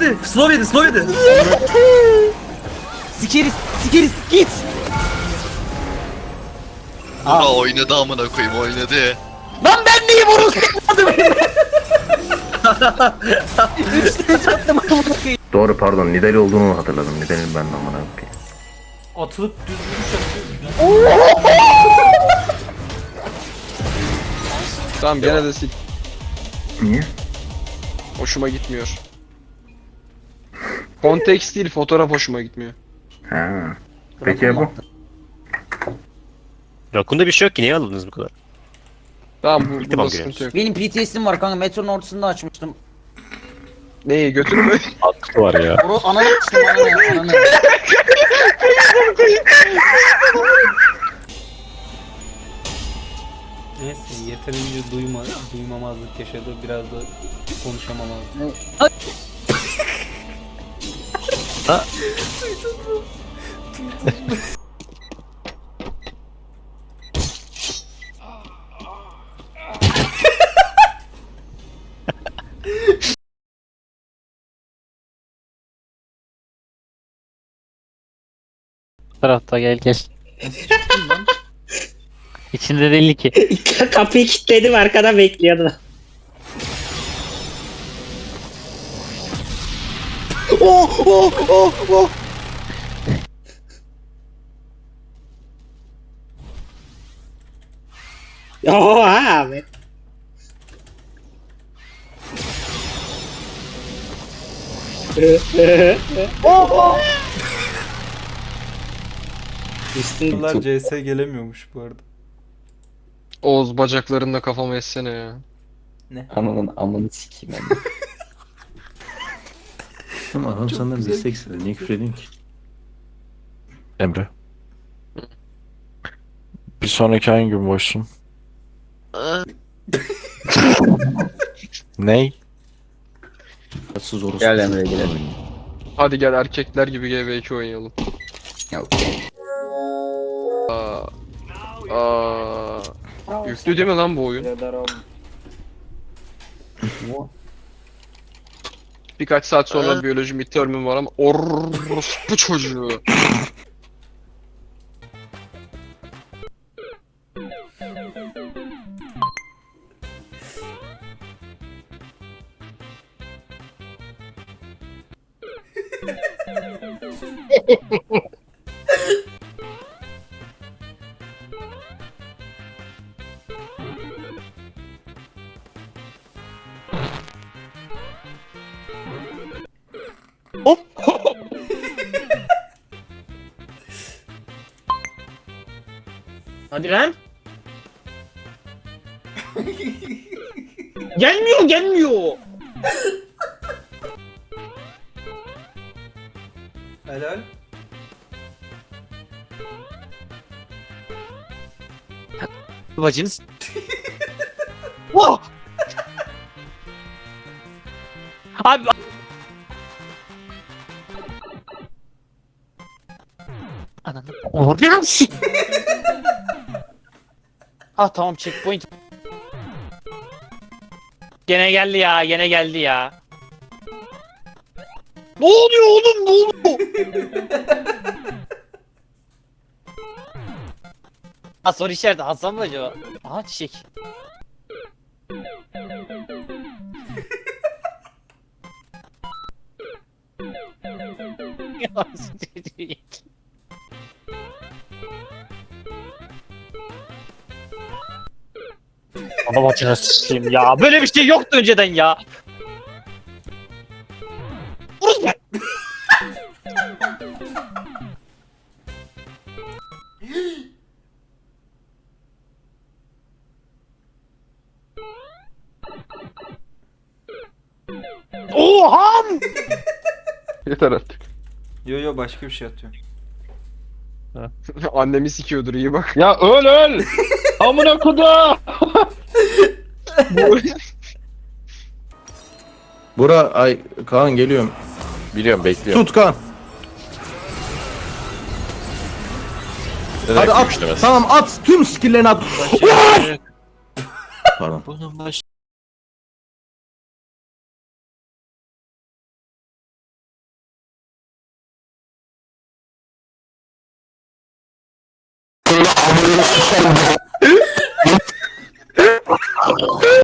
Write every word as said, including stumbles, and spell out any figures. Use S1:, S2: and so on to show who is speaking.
S1: yedi. Slow yedi. Slow yedi.
S2: Sikeriz, sikeriz, git.
S3: Aa oynadı amına koyayım oynadı.
S2: Lan ben neyim orası? Üçte çattım amına koyayım.
S4: Doğru pardon Nidali olduğunu hatırladım. Nidali'nin ben de amına koyayım.
S1: Atılıp düz vuruş yapıyor.
S5: Tamam gene de sil.
S4: Niye?
S5: Hoşuma gitmiyor. Konteks değil, fotoğraf hoşuma gitmiyor.
S4: Ha. Peki ya bu?
S6: Rakun'da bir şey yok ki, niye aldınız bu kadar?
S5: Tamam bu,
S6: İlk
S5: bunda
S6: defa
S5: sıkıntı
S6: görüyoruz.
S5: yok.
S2: Benim P T S'im var kanka, metronun ortasında açmıştım.
S5: Neyi götürü mü?
S6: Hakkı var ya.
S2: Oru ananı açtım, ananı, ananı.
S1: Neyse yeterince duyma, duymamazlık yaşadı. Biraz da konuşamamazlık.
S7: Tarafta gel gel.
S1: Nasıl çıktın lan?
S7: İçinde değil ki.
S8: Kapıyı kilitledim, arkada bekliyordu.
S5: Oh oh oh oh.
S8: Oha abi. Üstün
S1: Bunlar C S gelemiyormuş bu arada.
S5: Oğuz bacaklarında kafama essene ya.
S8: ananın amını sikeyim ben.
S4: Ama adam senden destek istedi. Niye küfür ediyorsun ki?
S9: Emre. Bir sonraki hangi gün boşsun? Ney?
S4: Tatsız orası.
S8: Gel Emre, gidelim.
S5: Hadi gel erkekler gibi G V iki oynayalım.
S8: Yok.
S5: Aa. Aa. Yüklü değil mi lan bu oyun? Birkaç saat sonra biyoloji midterm'im var ama orospu çocuğu.
S8: Hadi lan. Gelmiyor, gelmiyor.
S1: Helal.
S2: Bacınız. Oh! Abi. Ananı. Oradan sik. Ah tamam, checkpoint. Gene geldi ya, gene geldi ya. Ne oluyor oğlum, ne oluyor? Ha soru işareti, Hasan mı acaba? Aha çiçek. Ya, Bana bacına sıçayım ya. Böyle bir şey yoktu önceden ya. Vuruz be. Oha!
S5: Yeter artık.
S1: Yo yo başka bir şey atıyor.
S5: Annemi sikiyordur, iyi bak.
S9: Ya öl öl! Amına koda!
S4: Bura ay Kaan geliyorum.
S9: Biliyorum bekliyorum.
S4: Tut Kaan. Hadi at. Tamam at. Tüm skill'lerini at. Pardon.
S6: Bunun baş
S10: Amına sikeyim.